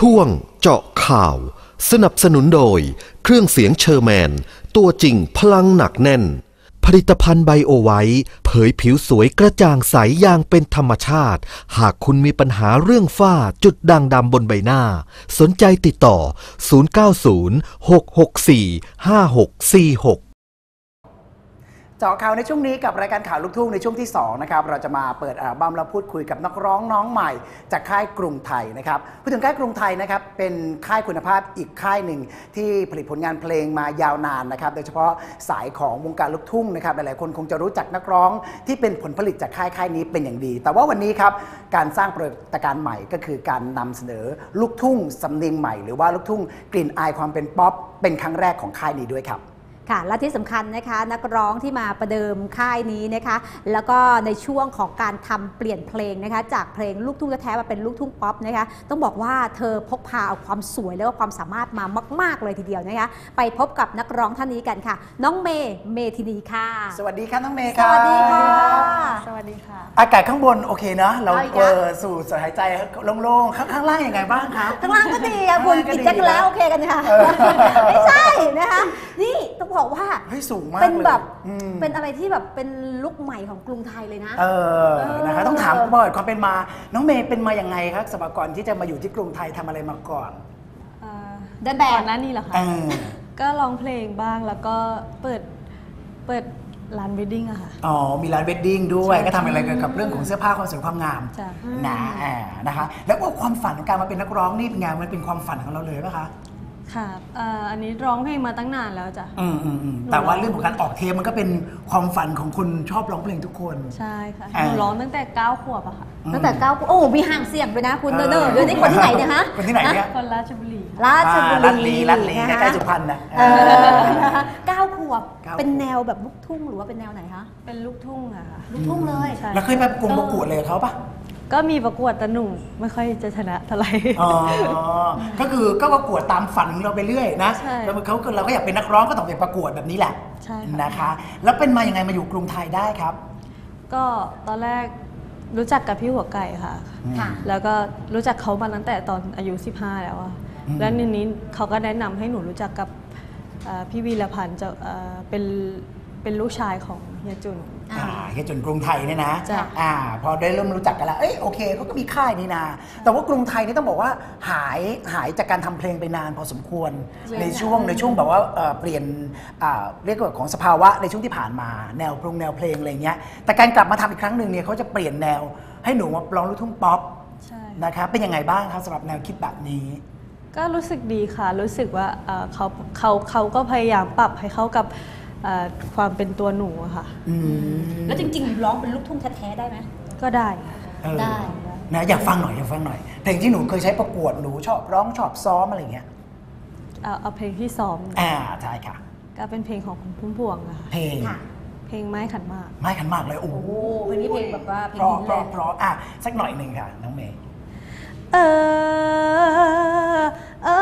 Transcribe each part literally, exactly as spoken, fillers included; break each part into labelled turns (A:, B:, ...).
A: ช่วงเจาะข่าวสนับสนุนโดยเครื่องเสียงเชอร์แมนตัวจริงพลังหนักแน่นผลิตภัณฑ์ไบโอไวท์เผยผิวสวยกระจ่างใสอย่างเป็นธรรมชาติหากคุณมีปัญหาเรื่องฝ้าจุดด่างดำบนใบหน้าสนใจติดต่อศูนย์ เก้า ศูนย์ หก หก สี่ ห้า หก สี่ หก
B: เจาะข่าวในช่วงนี้กับรายการข่าวลูกทุ่งในช่วงที่สองนะครับเราจะมาเปิดอัลบั้มและพูดคุยกับนักร้องน้องใหม่จากค่ายกรุงไทยนะครับพูดถึงค่ายกรุงไทยนะครับเป็นค่ายคุณภาพอีกค่ายหนึ่งที่ผลิตผลงานเพลงมายาวนานนะครับโดยเฉพาะสายของวงการลูกทุ่งนะครับหลายๆคนคงจะรู้จักนักร้องที่เป็นผลผลิตจากค่ายค่ายนี้เป็นอย่างดีแต่ว่าวันนี้ครับการสร้างปรากฏการณ์ใหม่ก็คือการนำเสนอลูกทุ่งสำเนียงใหม่หรือว่าลูกทุ่งกลิ่นอายความเป็นป๊อปเป็นครั้งแรกของค่ายนี้ด้วยครับ
C: ค่ะและที่สำคัญนะคะนักร้องที่มาประเดิมค่ายนี้นะคะแล้วก็ในช่วงของการทำเปลี่ยนเพลงนะคะจากเพลงลูกทุ่งแท้ๆมาเป็นลูกทุ่งป๊อปนะคะต้องบอกว่าเธอพกพาเอาความสวยและก็ความสามารถมามากๆเลยทีเดียวนะคะไปพบกับนักร้องท่านนี้กันค่ะน้องเมย์เมธินีค่ะ
B: สวัสดีค่ะน้องเมย์ครับ
C: สวัสดีค่ะ
D: สวัสดีค่ะ
B: อากาศข้างบนโอเคเนาะเราเปิดสูดหายใจโล่งๆข้างล่างยังไงบ้างครับ
C: ข้างล่างก็ดีค่ะคุณกินแจ็คแล้วโอเคกันค่ะไม่ใช่นะคะนี่ต้องบอกว่าเป็นแบบเป็นอะไรที่แบบเป็นลุคใหม่ของกรุงไทยเลยนะ
B: เออนะคะต้องถามก่อนความเป็นมาน้องเมย์เป็นมาอย่างไงครับสมัยก่อนที่จะมาอยู่ที่กรุงไทยทำอะไรมาก่อน
C: เดินแบบ
D: นั่นนี่เหรอคะก็ร้องเพลงบ้างแล้วก็เปิดเปิดร้านเวดดิ้งอะค่ะ
B: อ๋อมีร้านเวดดิ้งด้วยก็ทำอะไรเกี่ยวกับเรื่องของเสื้อผ้าความสวยความงามนะนะคะแล้วว่าความฝันของการมาเป็นนักร้องนี่เป็นไงมันเป็นความฝันของเราเลยป่ะคะ
D: ค่ะอันนี้ร้องเพลงมาตั้งนานแล้วจ้ะ
B: อืมอืมแต่ว่าเรื่องของการออกเทปมันก็เป็นความฝันของคนชอบร้องเพลงทุกคน
D: ใช่ค่ะหนูร้องตั้งแต่เก้าขวบอะค่ะ
C: ตั้งแต่เก้าโอ้มีห่างเสียงด้วยนะคุณเนอร์เดี๋ยวนี้คนที่ไหนเนี่ยฮะ
B: คนที่ไหนเนี่ย
D: คนราชบุรี
C: ราชบุรี
B: ราชบุรีใกล้ๆสุพรรณนะ
C: เก้าขวบเป็นแนวแบบลูกทุ่งหรือว่าเป็นแนวไหนคะ
D: เป็นลูกทุ่งอะค่ะ
C: ลูกทุ่งเลย
B: แล้วเคยไปประกวดประกวดเลยเขาปะ
D: ก็มีประกวดแต่หนูไม่ค่อยจะชนะเท่าไหร่
B: อ๋อก็คือก็ประกวดตามฝันของเราไปเรื่อยนะแล้วเขาเราก็อยากเป็นนักร้องก็ต้องไปประกวดแบบนี้แหละ
D: ใช่
B: นะคะแล้วเป็นมาอย่างไงมาอยู่กรุงไทยได้ครับ
D: ก็ตอนแรกรู้จักกับพี่หัวไก่ค่ะแล้วก็รู้จักเขามาตั้งแต่ตอนอายุสิบห้าแล้วอะแล้วทีนี้เขาก็แนะนำให้หนูรู้จักกับพี่วีรพันธ์จะเป็นเป็นลูกชายของเฮียจุน
B: เฮียจุนกรุงไทยเนี่ยนะอ่าพอได้เริ่มรู้จักกันแล้วเอ้ยโอเคเขาก็มีค่ายนี่นาแต่ว่ากรุงไทยนี่ต้องบอกว่าหายหายจากการทำเพลงไปนานพอสมควรในช่วงในช่วงแบบว่าเปลี่ยนเรียกว่าของสภาวะในช่วงที่ผ่านมาแนวเพลงแนวเพลงอะไรเงี้ยแต่การกลับมาทำอีกครั้งหนึ่งเนี่ยเขาจะเปลี่ยนแนวให้หนูมาร้องลูกทุ่งป๊อปนะคะเป็นยังไงบ้างครับสำหรับแนวคิดแบบนี้
D: ก็รู้สึกดีค่ะรู้สึกว่าเขาเขาเขาก็พยายามปรับให้เข้ากับความเป็นตัวหนูอะค่ะ
C: แล้วจริงๆร้องเป็นลูกทุ่งแท้ๆได้ไหม
D: ก็ได้
C: ได้
B: นะอยากฟังหน่อยอยากฟังหน่อยเพลงที่หนูเคยใช้ประกวดหนูชอบร้องชอบซ้อมอะไรเงี้ย
D: เอาเอาเพลงที่ซ้อม
B: อ่าใช่ค่ะ
D: ก็เป็นเพลงของคุณพุ่มพวงอะ
B: เพลง
D: เพลงไม้ขันหมาก
B: ไม้ขันหมากเลยโอ้โห
C: เพลงนี้เพลงแบบว่าเพลง
B: เพราะเพราะอ่ะสักหน่อยหนึ่งค่ะน้องเมย์
D: เออเอ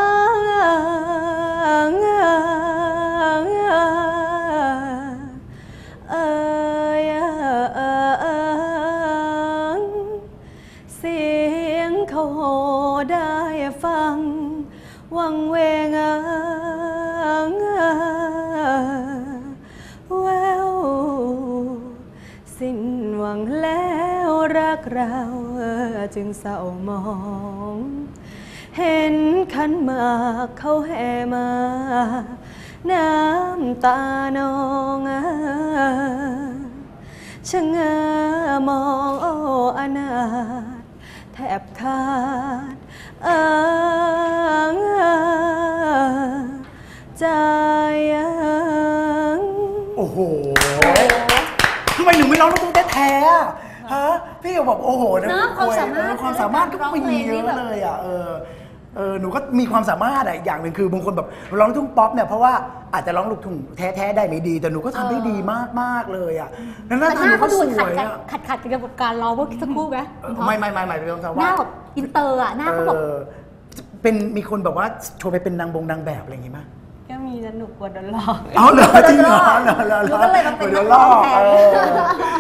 D: อเสียงเขาโหได้ฟังวังเวงแววสิ้นหวังแล้วรักเราจึงเศร้ามองเห็นขันหมากเขาแห่มาน้ำตานองชะงามองโอ้อนาถแทบขาดเอิงใจ
B: โอ้โหทำไมหนูไม่ร้องลูกทุ่งแท้ๆฮะพี่ก็บอกโอ้โหนะ
C: ความสามารถ
B: ความสามารถก็มีเยอะเลยอ่ะเออเออหนูก็มีความสามารถอะอย่างหนึ่งคือบางคนแบบร้องลูกทุ่งป๊อปเนี่ยเพราะว่าอาจจะร้องลูกทุ่งแท้ๆได้ไม่ดีแต่หนูก็ทำได้ดีมากๆเลยอ่ะ
C: แล้วหน้าตาเขาดูขัดขัดขัดกับการร้องเมื่อสักครู่ไหม
B: ไม่ไม่ไม่ไม่เป็นคำว่า
C: หน้าแบบอินเตอร์อ่ะหน้าเขาแบบ
B: เป็นมีคนแบบว่าโชว์ไปเป็นนางบงนางแบบอะไรอย่างงี้มั้ย
D: ก็มีสนุกกว่าโดนหลอก
B: อ๋อเหรอจริงเหรอเหรอเหรอ
C: ก็เลยมาเป็นนัก
B: ร้อง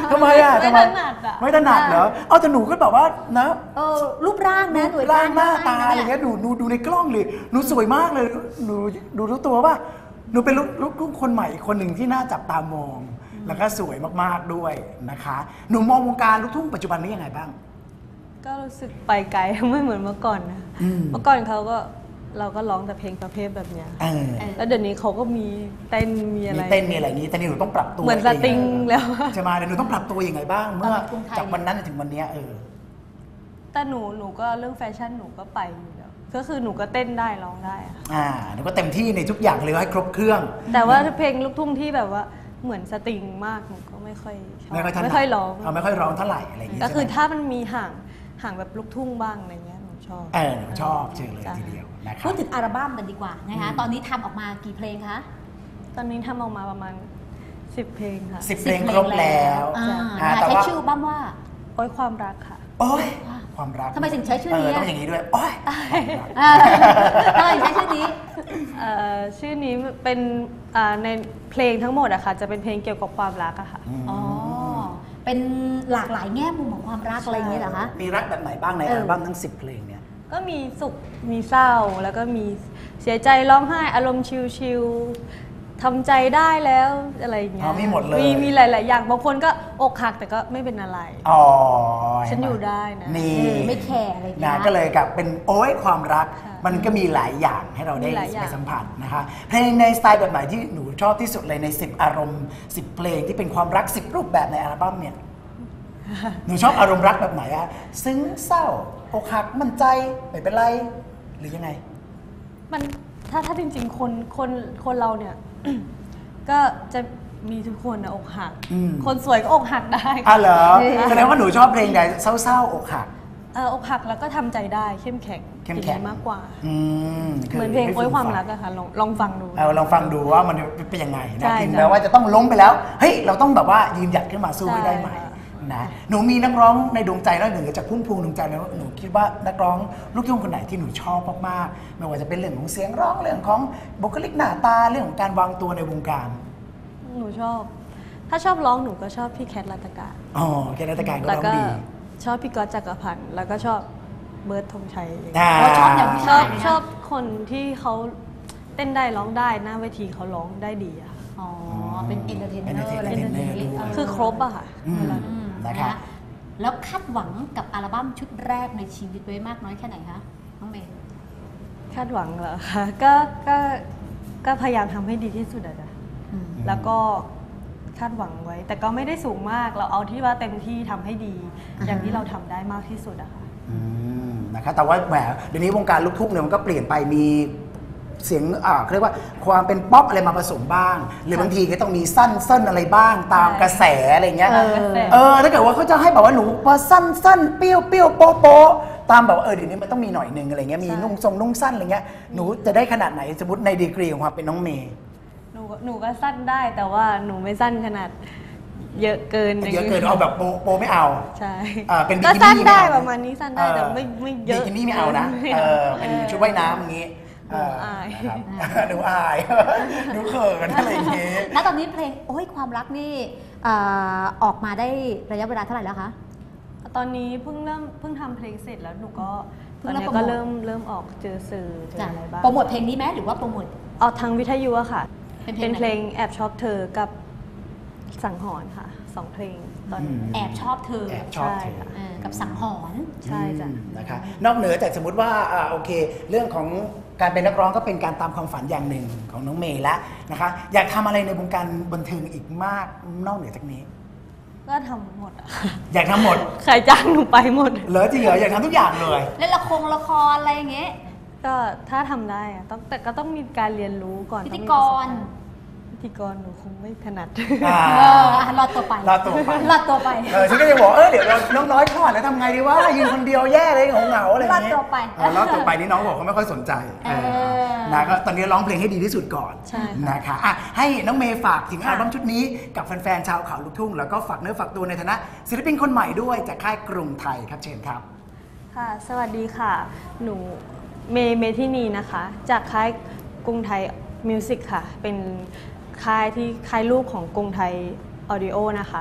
B: ทำไมอ่ะ
D: ไม่
B: ทำไม
D: ถนัดอ่ะ
B: ไม่ถนัดเหรอเอาแต่หนูก็แบบว่านะ
C: เออรูปร่างนะ
B: รูปร่างหน้าตา
C: ได้
B: อะไรเงี้ยหนูหนูดูในกล้องเลยหนูสวยมากเลยหนูดูรู้ตัวป่ะหนูเป็นลูกลูกลูกคนใหม่อีกคนหนึ่งที่น่าจับตามอง แล้วก็สวยมากๆด้วยนะคะหนูมองวงการลูกทุ่งปัจจุบันนี้ยังไงบ้าง
D: ก็รู้สึกไปไกล ไม่เหมือนเมื่อก่อนนะ
B: อืม
D: เมื่อก่อนเขาก็เราก็ร้องแต่เพลงประเภทแบบเนี้ย
B: เออ
D: แล้วเดี๋ยวนี้เขาก็มีเต้นมีอะไร
B: มีเต้นมีอะไรอย่างนี้แต่นี่หนูต้องปรับตัว
D: เหมือนสตริงแล้ว
B: ใช่ไหมเดี๋ยวหนูต้องปรับตัวยังไงบ้าง เมื่อจากวันนั้นถึงวันเนี้ยเออ
D: แต่หนูหนูก็เรื่องแฟชั่นหนูก็ไปอยู่แล้วก็คือหนูก็เต้นได้ร้องได้อะ
B: อ่าหนูก็เต็มที่ในทุกอย่างเลยให้ครบเครื่อง
D: แต่ว่าเพลงลูกทุ่งที่แบบว่าเหมือนสตริงมากหนูก็ไม่ค่อยชอบ
B: ไม่ค่อยถนัด
D: ไม่ค่อยร้อง
B: เอาไม่ค่อยร้องเท่าไหร่อะไรอย่างงี้
D: ก็คือ
B: ใช่ไหม
D: ถ้ามันมีห่างห่างแบบลูกทุ่งบ้างอะไรเงี้ยหนูชอบ
B: เออหนูชอบเชิญเลย
D: จ้ะ
B: ทีเดียวนะครั
C: พู
B: บ
C: ดถึงอัลบั้มกันดีกว่านะคะ
B: อืม
C: ตอนนี้ทำออกมากี่เพลงคะ
D: ตอนนี้ทำออกมาประมาณสิบเพลงค่ะ
B: สิบเพลงครบแล้ว
C: อ่า
B: อ่า
C: นะคะ
B: แต่
C: ใช้
B: ว่า
C: ชื่ออัลบั้มว่า
D: โอ้ยความรักค่ะ
B: โอ้ยความรัก
C: ทำไมถึงใช้ชื่อนี้
B: เออ
C: อะ
B: ต้องอย่างนี้ด้วยโอ้ยความรัก
C: เออทำไมถึงใช้ชื่อนี้
D: เอ่อชื่อนี้เป็นอ่าในเพลงทั้งหมดอะค่ะจะเป็นเพลงเกี่ยวกับความรักอะค่ะ
C: อ๋อ เป็นหลากหลายแง่มุมของความรักอะไรอย่างเงี้ยเหรอคะ
B: มีรักแบบไหนบ้างใน
C: เออ
B: อัลบั้มทั้งสิบเพลงเนี่ย
D: ก็มีสุขมีเศร้าแล้วก็มีเสียใจร้องไห้อารมณ์ชิลๆทำใจได้แล้วอะไรอย่างเงี้
B: อ๋
D: ย
B: อมีหมดเลย
D: มีมีหลาย ๆ อย่างบางคนก็อกหักแต่ก็ไม่เป็นอะไร
B: อ๋อ
D: ฉันอยู่ได้นะ
B: นี่
C: เออไม่แคร์อะไรอย่างเงี้
B: นะ
C: ย
B: ก็เลยกับเป็นโอ้ยความรัก
D: ค่ะ
B: มันก็มีหลายอย่างให้เราได้
D: มีหลายอย่าง
B: ไปสัมผัสนะคะเพลงในสไตล์แบบไหนที่หนูชอบที่สุดเลยในสิบอารมณ์สิบเพลงที่เป็นความรักสิบรูปแบบในอัลบั้มเนี่ย หนูชอบอารมณ์รักแบบไหนอะซึ้งเศร้าอกหักมั่นใจไม่เป็นไรหรือยังไง
D: มันถ้าถ้าจริง ๆ คนคนคนเราเนี่ย ก็จะมีทุกคนนะอกหัก
B: อืม
D: คนสวยก็อกหักได้
B: อ่ะเหรอแสดงว่าหนูชอบเพลงใดเศร้าๆอกหัก
D: เอออกหักแล้วก็ทำใจได้เข้มแข็ง
B: เข้มแข็ง
D: อย่างนี้มากกว่า
B: อืม
D: เหมือนเพลงโอ้ยความรักอะค่ะลองลองฟังดู
B: เอาลองฟังดูว่ามันเป็นยังไง
D: ใช่
B: นะถึง
D: ใช่
B: แม้ว่าจะต้องล้มไปแล้วเฮ้ยเราต้องแบบว่ายืนหยัดขึ้นมาสู้ให้ได้ใหม่
D: ใช่ค่ะ
B: นะหนูมีนักร้องในดวงใจแล้วหนึ่งจากพุ่มพวงดวงใจแล้วหนูคิดว่านักร้องลูกทุ่งคนไหนที่หนูชอบมากๆไม่ว่าจะเป็นเรื่องของเสียงร้องเรื่องของบุคลิกหน้าตาเรื่องของการวางตัวในวงการ
D: หนูชอบ ถ้าชอบร้องหนูก็ชอบพี่แคทรัตการ
B: อ๋อแค่นักการก็
D: แล้ว
B: ร้อง
D: ก็
B: ดี
D: ชอบพี่ก๊อตจักรพันธ์แล้วก็ชอบเบิร์ดธงชัย
B: อ่า
C: เราชอบอย่างผู้
D: ช
C: ชา
D: อย บ
C: นะ
D: ชอบคนที่เขาเต้นได้ร้องได้หน้าเวทีเขาร้องได้ดีอะค่ะ
C: อ๋อ เป็นเอนเตอร์เทนเนอร์
B: entertainer
C: อะไรแบบนี้
B: ด้วย
C: เ
D: คือครบอะค่ะ
B: อืม
D: เวลา
C: อืม
B: นะคะ
C: แล้วคาดหวังกับอัลบั้มชุดแรกในชีวิตไว้มากน้อยแค่ไหนคะน้องเมย์
D: คาดหวังเหรอคะก็ก็ก็พยายามทำให้ดีที่สุดอะนะ
C: อืม
D: แล้วก็คาดหวังไว้ แต่ก็ไม่ได้สูงมากเราเอาที่ว่าเต็มที่ทำให้ดี
C: อ่าฮะ
D: อย่างที่เราทำได้มากที่สุดอะค่ะ
B: อืมนะคะแต่ว่าแหมเดี๋ยวนี้วงการลูกทุ่งเนี่ยมันก็เปลี่ยนไปมีเสียงอ่าเขาเรียกว่าความเป็นป๊อปอะไรมาผสมบ้าง หรือบางทีก็ต้องมีสั้นเส้นอะไรบ้างตามกระแสอะไรเงี้ย
C: เออ
B: เออถ้าเกิดว่าเขาจะให้แบบว่าหนูพอสั้นสั้นเปรี้ยวเปรี้ยวโป๊ะโป๊ะตามแบบว่าเออเดี๋ยวนี้มันต้องมีหน่อยหนึงอะไรเงี้ยมี
D: ใช่
B: นุ่งทรงนุ่งสั้นอะไรเงี้ยหนูจะได้ขนาดไหนสมมติในดีกรีของความเป็นน้องเมย์
D: หนูก็หนูก็สั้นได้แต่ว่าหนูไม่สั้นขนาดเยอะเกิน
B: เยอะเกินเอาแบบโป๊ะโป๊ะไม่เอา
D: ใช่
B: อ่าเป็นบิ
D: ก็
B: กิ
D: สั้น
B: นี่
D: ได้
B: ไม่เอา
D: ประมาณนี้สั้นได้แต่ไม่ไม่เยอะ
B: บิกินี่ไม่เอานะ
D: ไม่
B: เอ
D: เอา
B: อเป็นชุดว่ายน้ำอย่างงี้เ
D: หนูอาย
B: นะครับหนูอายหนูเขินอะไรอย่างงี้
C: แล้วตอนนี้เพลงโอ้ยความรักนี่เอ่อออกมาได้ระยะเวลาเท่าไหร่แล้วคะ
D: ตอนนี้เพิ่งเริ่มเพิ่งทำเพลงเสร็จแล้วหนูก็
C: เพิ่
D: ตอง น
C: เริ่ม
D: นี้
C: โปร
D: ก็
C: โมท
D: เริ่มเริ่มออกเจอสื่อเจอ
C: จ้ะ
D: อะไรบ้าง
C: โปรโมทเพลงนี้ไหมหรือว่าโปรโมท
D: ออกทางวิทยุอะค่ะ
C: เป็นเพลง
D: เป็นเพลง
C: ไหน
D: แอบชอบเธอกับสังหรณ์ค่ะสองเพลงตอนนี้
B: อืม
C: แอบชอบเธอ
B: แอบชอบเธอ
D: ใช่ค่ะ
C: เออกับสังหรณ์
D: ใช่จ้ะ
B: อืมนะคะนอกเหนือจากสมมติว่าอ่าโอเค เรื่องของการเป็นนักร้องก็เป็นการตามความฝันอย่างหนึ่งของน้องเมย์ละนะคะอยากทำอะไรในวงการบันเทิงอีกมากนอกเหนือจากนี้
D: ก็ทำหมดอะ
B: อยากทำหมด
D: ใครจ้างหนูไปหมด
B: เหรอจริงเหรออยากทำทุกอย่างเลย
C: เล่นละครละครอะไรอย่างเงี้ย
D: ก็ถ้าทำได้อะต้องแต่ก็ต้องมีการเรียนรู้ก่อน
C: พิธี
D: ต้องมี
C: ก
D: ประสบ
C: ร
D: การณ์พิธีกรหนูคงไม่ถนัด
B: อ่า
C: เอออ่ะรอดตัวไป
B: รอดตัวไป
C: รอดตัวไป
B: เออฉันก็จะบอกเออเดี๋ยวเราน้องน้อยคลอดแล้วทำไงดีวะยืนคนเดียวแย่เลยเหงาๆอะไรอย่างเงี้ย
C: รอดตัวไป
B: เออรอดตัวไปนี่น้องบอกเขาไม่ค่อยสนใจ
C: เออ
B: เออนะก็ตอนนี้ร้องเพลงให้ดีที่สุดก่อน
D: ใช่ค่ะ
B: นะคะอ่ะให้น้องเมย์ฝากถึงอั
C: ค่ะ
B: ลบั้มชุดนี้กับแฟนๆชาวเขาลูกทุ่งแล้วก็ฝากเนื้อฝากตัวในฐานะศิลปินคนใหม่ด้วยจากค่ายกรุงไทยครับเชิญครับ
D: ค่ะ สวัสดีค่ะ หนูเมย์เมทินีนะคะ จากค่ายกรุงไทยมิวสิกค่ะ เป็นค่ายที่ค่ายลูกของกรุงไทยออดิโอนะคะ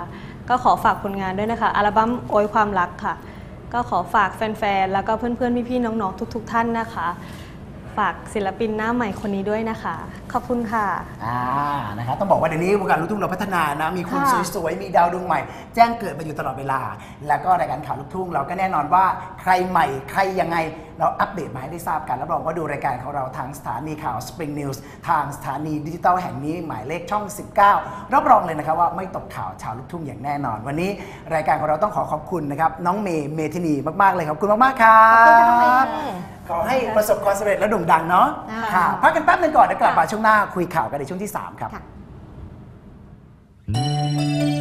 D: ก็ขอฝากผลงานด้วยนะคะอัลบั้มโอยความรักค่ะก็ขอฝากแฟนๆแล้วก็เพื่อนๆพี่ๆน้องๆทุกๆท่านนะคะฝากศิลปินหน้าใหม่คนนี้ด้วยนะคะขอบคุณค่ะ
B: อ่านะครับต้องบอกว่าเดี๋ยวนี้วงการลูกทุ่งเราพัฒนานะมีคนสวยๆมีดาวดวงใหม่แจ้งเกิดมาอยู่ตลอดเวลาแล้วก็รายการข่าวลูกทุ่งเราก็แน่นอนว่าใครใหม่ใครยังไงเราอัปเดตมาให้ได้ทราบกันรับรองว่าดูรายการของเราทางสถานีข่าว Spring News ทางสถานีดิจิทัลแห่งนี้หมายเลขช่องสิบเก้ารับรองเลยนะครับว่าไม่ตกข่าวชาวลูกทุ่งอย่างแน่นอนวันนี้รายการของเราต้องขอขอบคุณนะครับน้องเมย์เมธินีมากๆเลยขอบคุณมากๆครับขอให้ประสบความสำเร็จและโด่งดังเนาะค่ะพักกันแป๊บนึงก่อนเดี๋ยวกลับมาช่วงหน้าคุยข่าวกันในช่วงที่สามครับ